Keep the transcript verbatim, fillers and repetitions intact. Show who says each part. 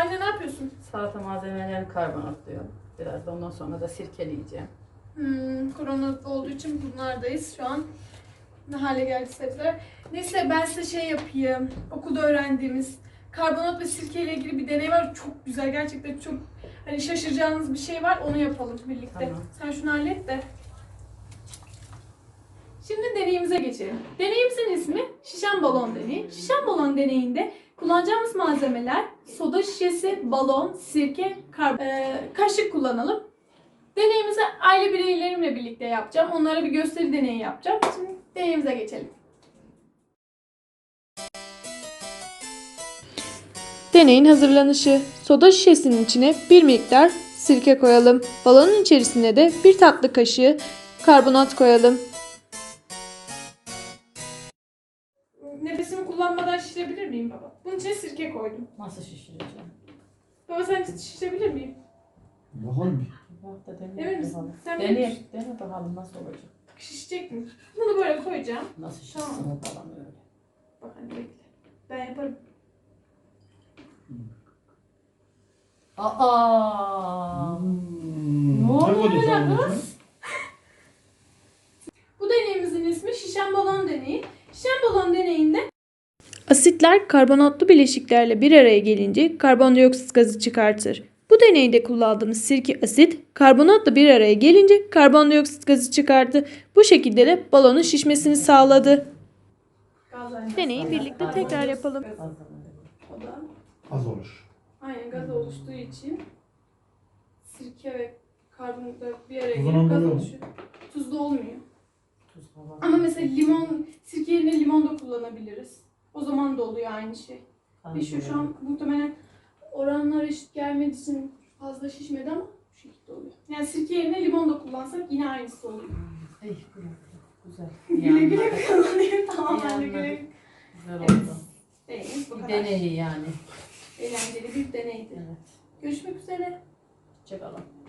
Speaker 1: Anne ne yapıyorsun?
Speaker 2: Salata malzemelerini karbonatlıyorum. Biraz da ondan sonra da sirkeleyeceğim.
Speaker 1: Hmm, korona olduğu için bunlardayız şu an. Ne hale geldi sebzeler. Neyse ben size şey yapayım. Okulda öğrendiğimiz karbonat ve sirke ile ilgili bir deney var. Çok güzel. Gerçekten çok hani şaşıracağınız bir şey var. Onu yapalım birlikte.
Speaker 2: Tamam.
Speaker 1: Sen şunu hallet de. Şimdi deneyimize geçelim. Deneyimizin ismi şişen balon deneyi. Şişen balon deneyinde kullanacağımız malzemeler soda şişesi, balon, sirke, kar ee, kaşık kullanalım. Deneyimizi aile bireylerimle birlikte yapacağım. Onlara bir gösteri deneyi yapacağım. Şimdi deneyimize geçelim.
Speaker 3: Deneyin hazırlanışı. Soda şişesinin içine bir miktar sirke koyalım. Balonun içerisine de bir tatlı kaşığı karbonat koyalım.
Speaker 1: Nefesimi kullanmadan şişirebilir miyim baba? Bunun içine sirke koydum.
Speaker 2: Nasıl şişireceğim?
Speaker 1: Baba sen şişirebilir miyim?
Speaker 4: Bakalım bir.
Speaker 2: Bak da
Speaker 1: Emin
Speaker 2: deneyelim
Speaker 1: misin?
Speaker 2: bakalım.
Speaker 1: Sen
Speaker 2: Deneye,
Speaker 1: bilirsin.
Speaker 2: dene bakalım nasıl olacak.
Speaker 1: Şişecek mi? Bunu böyle koyacağım.
Speaker 2: Nasıl şişsin
Speaker 1: Tamam.
Speaker 2: o falan öyle.
Speaker 1: Bak hadi bekle. Ben yaparım.
Speaker 2: Aa!
Speaker 4: Hmm.
Speaker 2: Ne oldu
Speaker 4: Ne koydun
Speaker 2: öyle
Speaker 4: sen onun
Speaker 2: kız?
Speaker 4: içine?
Speaker 1: Bu deneyimizin ismi şişen balon deneyi. Şişen balon deneyinde
Speaker 3: Asitler karbonatlı bileşiklerle bir araya gelince karbondioksit gazı çıkartır. Bu deneyde kullandığımız sirke asit karbonatla bir araya gelince karbondioksit gazı çıkarttı. Bu şekilde de balonun şişmesini sağladı.
Speaker 1: gaz aynası.
Speaker 3: Deneyi birlikte tekrar yapalım.
Speaker 1: O da
Speaker 4: Az olur.
Speaker 1: aynen gaz oluştuğu için sirke ve karbonatlar bir araya
Speaker 4: Tuzun
Speaker 1: gelip gaz
Speaker 4: oluyor mu?
Speaker 1: oluşuyor. Tuzlu olmuyor.
Speaker 2: Tuz hava.
Speaker 1: Ama mesela limon, sirke yerine limon da kullanabiliriz. O zaman da oluyor aynı şey. Ve şu, şu an muhtemelen oranlar eşit gelmediği için fazla şişmedi ama bu şekilde oluyor. Yani sirke yerine limon da kullansak yine aynısı oluyor.
Speaker 2: Ey, güzel. Güzel.
Speaker 1: Güle güle
Speaker 2: Yanmadı.
Speaker 1: kullanayım. Tamam ben de
Speaker 2: Yanmadı.
Speaker 1: güle güle.
Speaker 2: Güzel
Speaker 1: Evet.
Speaker 2: oldu.
Speaker 1: Deneyimiz bu
Speaker 2: Bir
Speaker 1: kadar.
Speaker 2: deneyi yani.
Speaker 1: Eğlenceli bir deneydi.
Speaker 2: Evet.
Speaker 1: Görüşmek üzere.
Speaker 2: Çakalım.